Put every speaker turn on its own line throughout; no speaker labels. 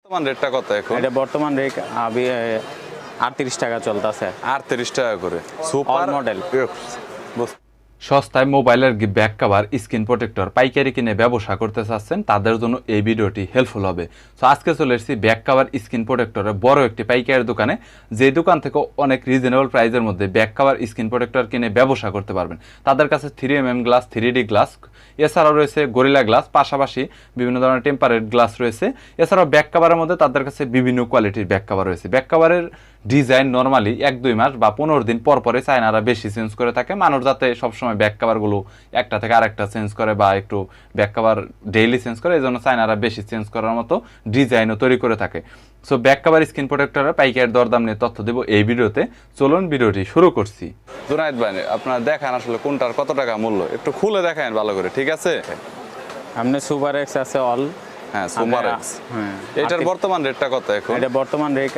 বর্তমান রেটটা কত এখন?
এটা বর্তমান রেট 38 টাকা চলতেছে।
38 টাকা করে সুপার
মডেল।
সস্তায় মোবাইলের ব্যাক কভার, স্ক্রিন প্রোটেক্টর পাইকারি কিনে ব্যবসা করতে চাচ্ছেন তাদের জন্য এই ভিডিওটি হেল্পফুল হবে। সো আজকে চলে এসেছি ব্যাক কভার, স্ক্রিন প্রোটেক্টরের বড় একটি পাইকারি দোকানে, যে দোকান থেকে অনেক রিজনেবল প্রাইসের মধ্যে ব্যাক কভার, স্ক্রিন প্রোটেক্টর কিনে ব্যবসা করতে পারবেন। তাদের কাছে 3mm গ্লাস, 3D গ্লাস, এছাড়াও রয়েছে গরিলা গ্লাস, পাশাপাশি বিভিন্ন ধরনের টেম্পারেট গ্লাস রয়েছে। এছাড়াও ব্যাক কভারের মধ্যে তাদের কাছে বিভিন্ন কোয়ালিটির ব্যাক কভার রয়েছে। ব্যাক কভারের ডিজাইন নর্মালি 1-2 মাস বা 15 দিন পর পরে চায়নারা বেশি চেঞ্জ করে থাকে, মানুষ যাতে সবসময় ব্যাক কভারগুলো একটা থেকে আরেকটা চেঞ্জ করে বা একটু ব্যাক কভার ডেইলি চেঞ্জ করে, এই জন্য চায়নারা বেশি চেঞ্জ করার মতো ডিজাইনও তৈরি করে থাকে। সো ব্যাক কভার, স্ক্রিন প্রোটেক্টরের পাইকারি দরদাম নিয়ে তথ্য দেবো এই ভিডিওতে। চলুন ভিডিওটি শুরু করছি।
জুনায়েদ ভাই, আপনারা দেখান আসলে কোনটার কত টাকা মূল্য, একটু খুলে দেখান ভালো করে, ঠিক আছে?
আপনি সুপার এক্স আছে অল।
হ্যাঁ, সুপার এক্স।
হ্যাঁ,
এটার বর্তমান রেটটা কত এখন?
এটা বর্তমান রেট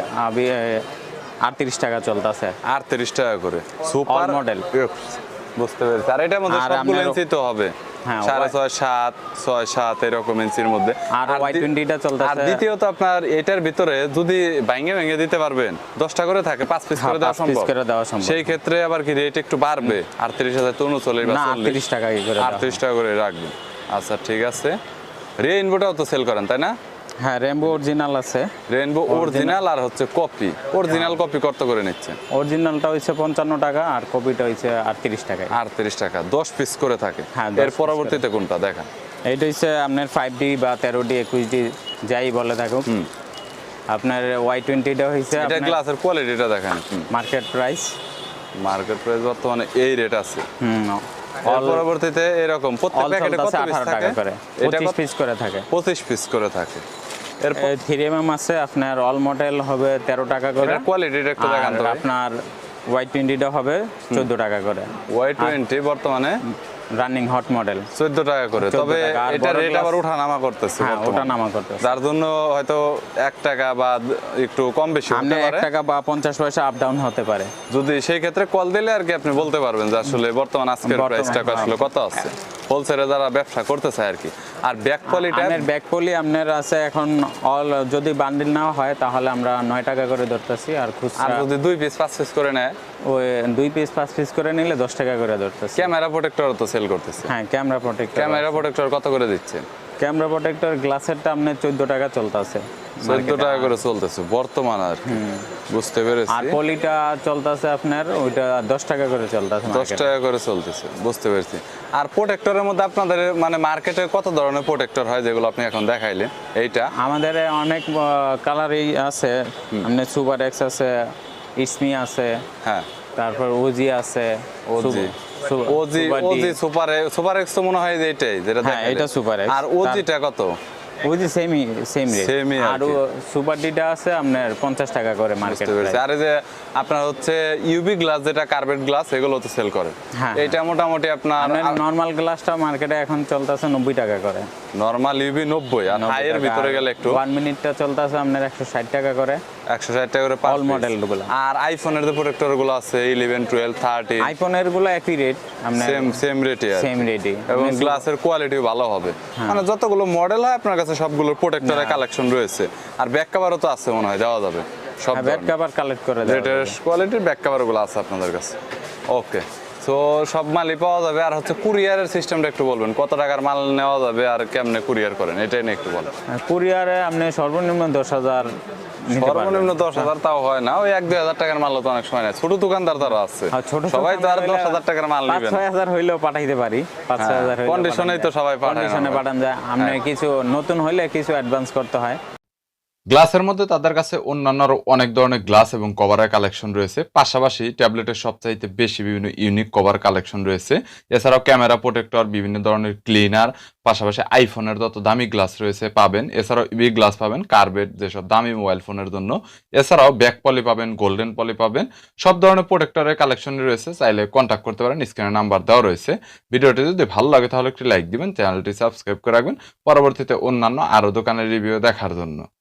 38 টাকা চলতেছে।
38 টাকা করে সুপার
মডেল।
বুঝতে পেরেছি। আর এটার মধ্যে সবগুলো ইঞ্চি তো হবে?
হ্যাঁ,
6.5, 7, 6.7 এরকম ইঞ্চির মধ্যে।
আর Y20টা চলতেছে।
আর দ্বিতীয়ত আপনার এটার ভিতরে যদি ভেঙে দিতে পারবেন, 10টা করে থাকে, 5 পিস করে দেওয়া সম্ভব। সেই ক্ষেত্রে আবার কি রেট একটু বাড়বে? 38,000 তো 39 বা
38 টাকা করে
38 টাকা করে রাখবেন। আচ্ছা, ঠিক আছে। রেইনবোটাও তো সেল করেন, তাই না?
হ্যাঁ, রেইনবো অরিজিনাল আছে।
রেইনবো অরিজিনাল আর হচ্ছে কপি। অরিজিনাল কপি কত করে নিচ্ছেন?
অরিজিনালটা হচ্ছে 55 টাকা আর কপিটা হচ্ছে 38 টাকা।
38 টাকা 10 পিস করে থাকে।
হ্যাঁ,
এর পরবর্তীতে কোনটা দেখা?
এইটা হচ্ছে আপনার 5D বা 13D 21D যাই বলে থাকুক। আপনার Y20টা হচ্ছে
এটা গ্লাসের কোয়ালিটিটা দেখেন।
মার্কেট প্রাইস
বর্তমানে এই রেট আছে। এর পরবর্তীতে এরকম প্রত্যেক প্যাকেটে কত পিস থাকে?
এটা 25 পিস করে থাকে।
25 পিস করে থাকে।
এরপর 3mm আছে আপনার অল মডেল হবে 13 টাকা করে।
এর কোয়ালিটিটা একটু দেখান তো।
আপনার Y20টা হবে 14 টাকা করে।
Y20 বর্তমানে
রানিং হট মডেল
14 টাকা করে। তবে এটা রেট আবার ওঠানামা করতেছে।
হ্যাঁ, ওঠানামা করতেছে।
যার জন্য হয়তো 1 টাকা বা একটু কম বেশি হতে পারে।
1 টাকা বা 50 পয়সা আপ ডাউন হতে পারে।
যদি সেই ক্ষেত্রে কল দিলে আর কি আপনি বলতে পারবেন যে আসলে বর্তমান আজকের প্রাইসটা আসলে কত আছে, হোলসেলে যারা ব্যবসা করতে চায় আর কি। আর ব্যাক পলিটা,
আপনার ব্যাক পলি আপনার আছে এখন অল, যদি বান্ডিল নেওয়া হয় তাহলে আমরা 9 টাকা করে ধরতেছি। আর খুচরা,
আর যদি 2 পিস 5 পিস করে নেয়,
ওই 2 পিস 5 পিস করে নিলে 10 টাকা করে ধরতেছি।
ক্যামেরা প্রোটেক্টর তো সেল করতেছে।
হ্যাঁ, ক্যামেরা প্রোটেক্টর
কত করে দিচ্ছে?
ক্যামেরা প্রোটেক্টর গ্লাসেরটা আপনার 14 টাকা চলতেছে।
14 টাকা করে চলতেছে বর্তমান আর কি। বুঝতে পেরেছি।
আর পলিটা চলতেছে আপনার ওইটা 10 টাকা করে চলতেছে।
10 টাকা করে চলতেছে, বুঝতে পেরেছি। আর প্রোটেক্টরের মধ্যে আপনাদের মানে মার্কেটে কত ধরনের প্রোটেক্টর হয় যেগুলো আপনি এখন দেখাইলেন? এইটা
আমাদের অনেক কালারই আছে। আপনার সুপার এক্স আছে, ইসমি আছে,
হ্যাঁ,
তারপর ওজি আছে।
ওজি সুপার এক্স তো মনে হয় যে এটাই যেটা
হ্যাঁ, এটা সুপার এক্স।
আর ওজিটা কত?
OG same rate. আর সুপার ডিটা আছে আপনার 50 টাকা করে মার্কেট প্রাইস।
আর এই যে আপনার হচ্ছে ইউভি গ্লাস, যেটা কার্বেট গ্লাস, এগুলো তো সেল করে। এটা মোটামুটি আপনার
নরমাল গ্লাসটা মার্কেটে এখন চলতেছে 90 টাকা করে।
নরমাল ইউভি 90, আর হাই এর ভিতরে গেলে একটু
1 মিনিটটা চলতেছে আপনার 160 টাকা করে।
160 টাকা করে
অল মডেলগুলো।
আর আইফোনের যে প্রোটেক্টর গুলো আছে 11, 12, 13,
আইফোনের গুলো একই রেট, আপনার
সেম রেটে
সেম রেটে।
এবং গ্লাসের কোয়ালিটিও ভালো হবে। মানে যতগুলো মডেল হয় আপনার কাছে সবগুলোর প্রোটেক্টরের কালেকশন রয়েছে। আর ব্যাক কভারও তো আছে মনে হয়, দেওয়া যাবে সব।
ব্যাক কভার কালেক্ট করে দেওয়া যাবে।
লেটেস্ট কোয়ালিটির ব্যাক কভারগুলো আছে আপনাদের কাছে। ওকে, সো সব মালই পাওয়া যাবে। আর হচ্ছে কুরিয়ারের সিস্টেমটা একটু বলবেন, কত টাকার মাল নেওয়া যাবে আর কেমনে কুরিয়ার করেন, এটাই নিয়ে একটু বলেন।
কুরিয়ারে আপনি সর্বনিম্ন 10,000।
সর্বনিম্ন 10,000 তাও হয় না, ওই 1-2 টাকার মাল তো অনেক সময় নেয়। ছোট দোকানদার তারা আছে, সবাই তো আর 10,000 টাকার মাল নেবে না।
5-6,000 হইলেও পাঠাইতে পারি। 5-6,000 হইলেও
কন্ডিশনেই তো সবাই পাঠায়,
কন্ডিশনে পাঠান যায়। আপনি কিছু নতুন হইলে কিছু অ্যাডভান্স করতে হয়।
গ্লাসের মধ্যে তাদের কাছে অন্যান্য অনেক ধরনের গ্লাস এবং কভারের কালেকশন রয়েছে, পাশাপাশি ট্যাবলেটের সবচাইতে বেশি বিভিন্ন ইউনিক কভার কালেকশন রয়েছে। এছাড়াও ক্যামেরা প্রোটেক্টর, বিভিন্ন ধরনের ক্লিনার, পাশাপাশি আইফোনের যত দামি গ্লাস রয়েছে পাবেন। এছাড়াও ইবি গ্লাস পাবেন, কার্বেট যেসব দামি মোবাইল ফোনের জন্য। এছাড়াও ব্যাক পলি পাবেন, গোল্ডেন পলি পাবেন, সব ধরনের প্রোটেক্টরের কালেকশন রয়েছে। চাইলে কন্ট্যাক্ট করতে পারেন, স্ক্রিনে নাম্বার দেওয়া রয়েছে। ভিডিওটি যদি ভালো লাগে তাহলে একটি লাইক দিবেন, চ্যানেলটি সাবস্ক্রাইব করে রাখবেন পরবর্তীতে অন্যান্য আরও দোকানের রিভিউ দেখার জন্য।